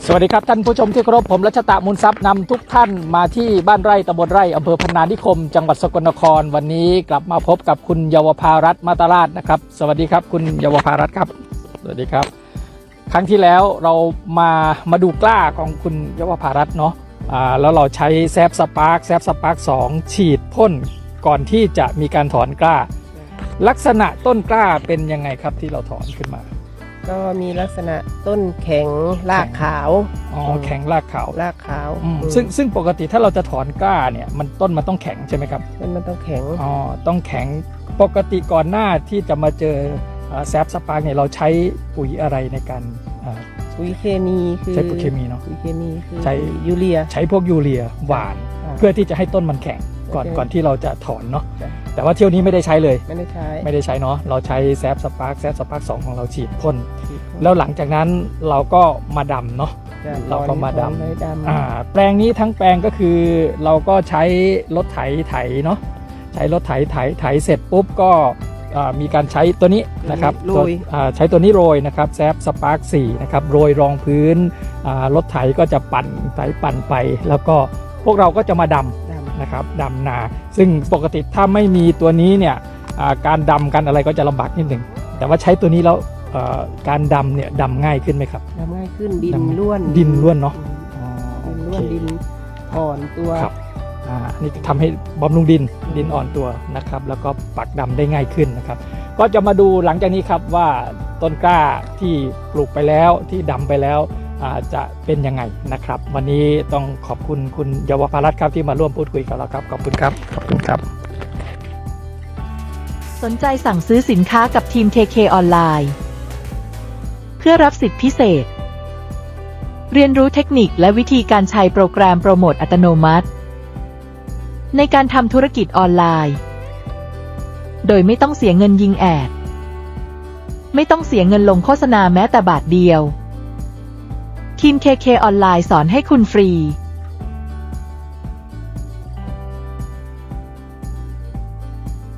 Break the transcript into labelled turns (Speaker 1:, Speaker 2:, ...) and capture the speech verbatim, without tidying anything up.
Speaker 1: สวัสดีครับท่านผู้ชมที่เคารพผมรัชตะมูลทรัพย์นำทุกท่านมาที่บ้านไร่ตำบลไร่อำเภอพนานิคมจังหวัดสกลนครวันนี้กลับมาพบกับคุณเยาวภารัตน์มาตราชนะครับสวัสดีครับคุณเยาวภารัตน์ครับสวัสดีครับครั้งที่แล้วเรามามาดูกล้าของคุณเยาวภารัตน์เนาะอ่าแล้วเราใช้แซฟสปาร์คแซฟสปาร์คสองฉีดพ่นก่อนที่จะมีการถอนกล้าลักษณะต้นกล้าเป็นยังไงครับที่เราถอนขึ้นมา
Speaker 2: ก็มีลักษณะต้นแข็งรากขาว
Speaker 1: อ๋อแข็งรากขาว
Speaker 2: รากขาว
Speaker 1: ซึ่งซึ่งปกติถ้าเราจะถอนกล้าเนี่ยมันต้นมันต้องแข็งใช่ไหมครับ
Speaker 2: ต้นมันต้องแข็ง
Speaker 1: อ๋อต้องแข็งปกติก่อนหน้าที่จะมาเจอแซฟสปาร์กเนี่ยเราใช้ปุ๋ยอะไรในการ
Speaker 2: ปุ๋ยเคมีคือ
Speaker 1: ใช้ปุ๋ยเคมีเนาะ
Speaker 2: ปุ๋ยเคมีคือ
Speaker 1: ใช้
Speaker 2: ยูเรีย
Speaker 1: ใช้พวกยูเรียหวานเพื่อที่จะให้ต้นมันแข็งก่อนก่อนที่เราจะถอนเนาะแต่ว่าเที่ยวนี้ไม่ได้ใช้เลย
Speaker 2: ไม่ได้ใช้
Speaker 1: ไม่ได้ใช้เนาะเราใช้แซฟสปาร์กแซฟสปาร์กสองของเราฉีดพ่นแล้วหลังจากนั้นเราก็มาดำเนาะเราก็มาดำอ่าแปลงนี้ทั้งแปลงก็คือเราก็ใช้รถไถไถเนาะใช้รถไถไถไถเสร็จปุ๊บก็มีการใช้ตัวนี้นะครับใช้ตัวนี้โรยนะครับแซฟสปาร์กสี่นะครับโรยรองพื้นรถไถก็จะปั่นไถปั่นไปแล้วก็พวกเราก็จะมาดำนะครับดำนาซึ่งปกติถ้าไม่มีตัวนี้เนี่ยการดำกันอะไรก็จะลำบากนิดหนึ่งแต่ว่าใช้ตัวนี้แล้วการดำเนี่ยดำง่ายขึ้นไหมครับ
Speaker 2: ดำง่ายขึ้นดินล้วน
Speaker 1: ดินล้วนเนาะ
Speaker 2: ดินล้วนดินอ่อนตัว
Speaker 1: ครับอ่านี่ทำให้บำรุงดินดินอ่อนตัวนะครับแล้วก็ปักดำได้ง่ายขึ้นนะครับก็จะมาดูหลังจากนี้ครับว่าต้นกล้าที่ปลูกไปแล้วที่ดำไปแล้วจะเป็นยังไงนะครับวันนี้ต้องขอบคุณคุณเยาวภารัตน์ครับที่มาร่วมพูดคุยกับเราครับขอบคุณครับขอบคุณครับ
Speaker 3: สนใจสั่งซื้อสินค้ากับทีม ที เค ออนไลน์เพื่อรับสิทธิพิเศษเรียนรู้เทคนิคและวิธีการใช้โปรแกรมโปรโมทอัตโนมัติในการทำธุรกิจออนไลน์โดยไม่ต้องเสียเงินยิงแอดไม่ต้องเสียเงินลงโฆษณาแม้แต่บาทเดียวทีม ที เค ออนไลน์สอนให้คุณฟรี